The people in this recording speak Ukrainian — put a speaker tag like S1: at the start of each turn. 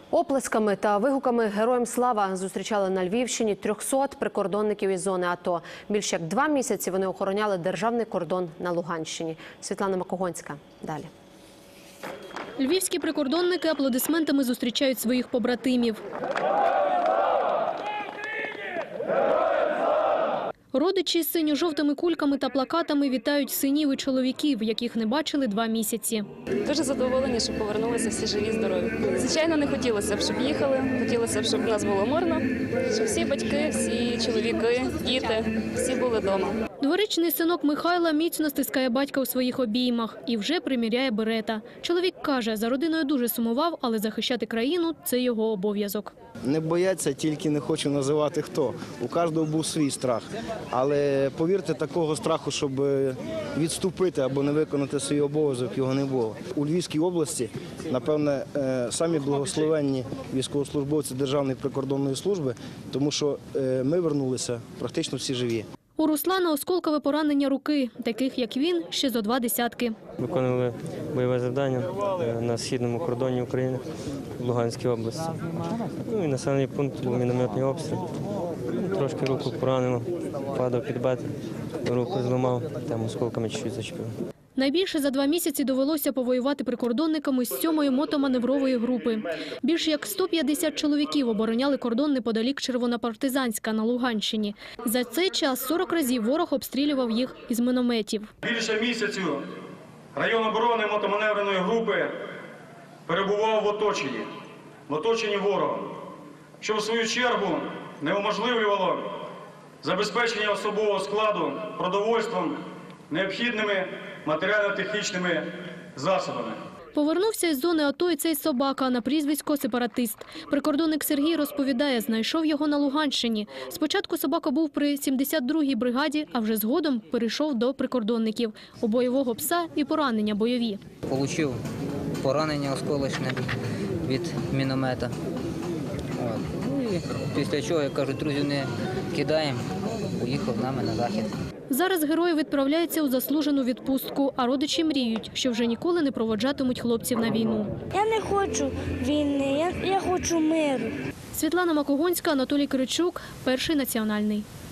S1: Оплесками та вигуками «Героям слава» зустрічали на Львівщині 300 прикордонників із зони АТО. Більш як 2 місяці вони охороняли державний кордон на Луганщині. Світлана Макогонська. Далі.
S2: Львівські прикордонники аплодисментами зустрічають своїх побратимів. Родичі з синьо-жовтими кульками та плакатами вітають синів і чоловіків, яких не бачили 2 місяці.
S3: Дуже задоволені, що повернулися всі живі, здорові. Звичайно, не хотілося б, щоб їхали, хотілося б, щоб в нас було мирно, щоб всі батьки, всі чоловіки, діти, всі були вдома.
S2: Дворічний синок Михайла міцно стискає батька у своїх обіймах і вже приміряє берета. Чоловік каже, за родиною дуже сумував, але захищати країну – це його обов'язок.
S4: Не бояться, тільки не хочу називати хто. У кожного був свій страх. Але повірте, такого страху, щоб відступити або не виконати свій обов'язок, його не було. У Львівській області, напевне, самі благословенні військовослужбовці Державної прикордонної служби, тому що ми вернулися практично всі живі.
S2: У Руслана осколкове поранення руки, таких як він, ще зо 2 десятки.
S5: Виконували бойове завдання на східному кордоні України в Луганській області. І населений пункт був мінометний обстріл. Трошки руку поранило, падав під бет, руку зламав, там осколками чуть-чуть зачепив.
S2: Найбільше за 2 місяці довелося повоювати прикордонниками з 7-ї мотоманеврової групи. Більш як 150 чоловіків обороняли кордон неподалік Червонопартизанська на Луганщині. За цей час 40 разів ворог обстрілював їх із мінометів.
S6: Більше місяцю район оборони мотоманевреної групи перебував в оточенні ворога, що в свою чергу неуможливлювало забезпечення особового складу продовольством, необхідними матеріально-технічними засобами.
S2: Повернувся із зони АТО і цей собака на прізвисько «Сепаратист». Прикордонник Сергій розповідає, знайшов його на Луганщині. Спочатку собака був при 72-й бригаді, а вже згодом перейшов до прикордонників. У бойового пса і поранення бойові.
S7: Получив поранення осколочне від міномета. І після чого, як кажуть, друзів не кидаємо, поїхав з нами на захід.
S2: Зараз герої відправляються у заслужену відпустку, а родичі мріють, що вже ніколи не проводжатимуть хлопців на війну.
S8: Я не хочу війни, я хочу миру.
S2: Світлана Макогонська, Анатолій Киричук, Перший національний.